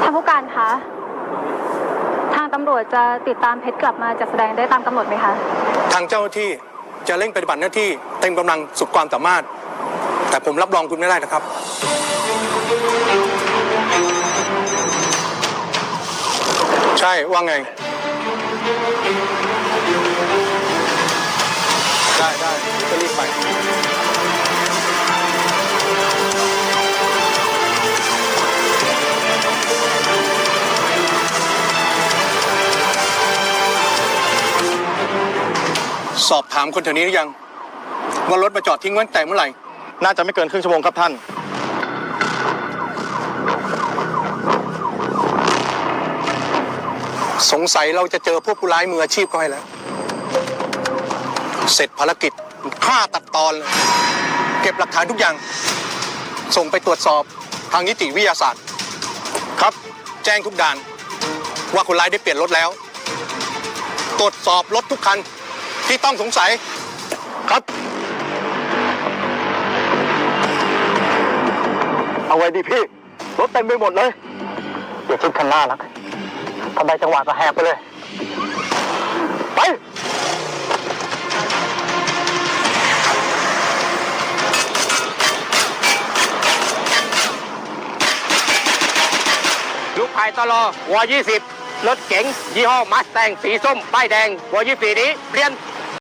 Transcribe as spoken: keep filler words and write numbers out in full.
านผู้การคะทางตำรวจจะติดตามเพชรกลับมาจัดแสดงได้ตามกำหนดไหมคะทางเจ้าหน้าที่จะเร่งปฏิบัติหน้าที่เต็มกำลังสุดความสามารถแต่ผมรับรองคุณไม่ได้นะครับใช่ว่าไงได้ได้ก็รีบไปสอบถามคนแถวนี้หรือยังว่ารถมาจอดทิ้งไว้ตั้งแต่เมื่อไหร่น่าจะไม่เกินครึ่งชั่วโมงครับท่านสงสัยเราจะเจอพวกผู้ร้ายมืออาชีพก็ให้แล้วเสร็จภารกิจฆ่าตัดตอนเลยเก็บหลักฐานทุกอย่างส่งไปตรวจสอบทางนิติวิทยาศาสตร์ครับแจ้งทุกด่านว่าคนร้ายได้เปลี่ยนรถแล้วตรวจสอบรถทุกคันที่ต้องสงสัยครับเอาไว้ดิพี่รถเต็มไปหมดเลยอย่าชิดคันหน้านะทำไมจังหวะก็แหกไปเลยไปลูกไผ่ตลอวอยี่สิบรถเก๋งยี่ห้อมัสแตงสีส้มป้ายแดงวอยี่สิบนี้เปลี่ยน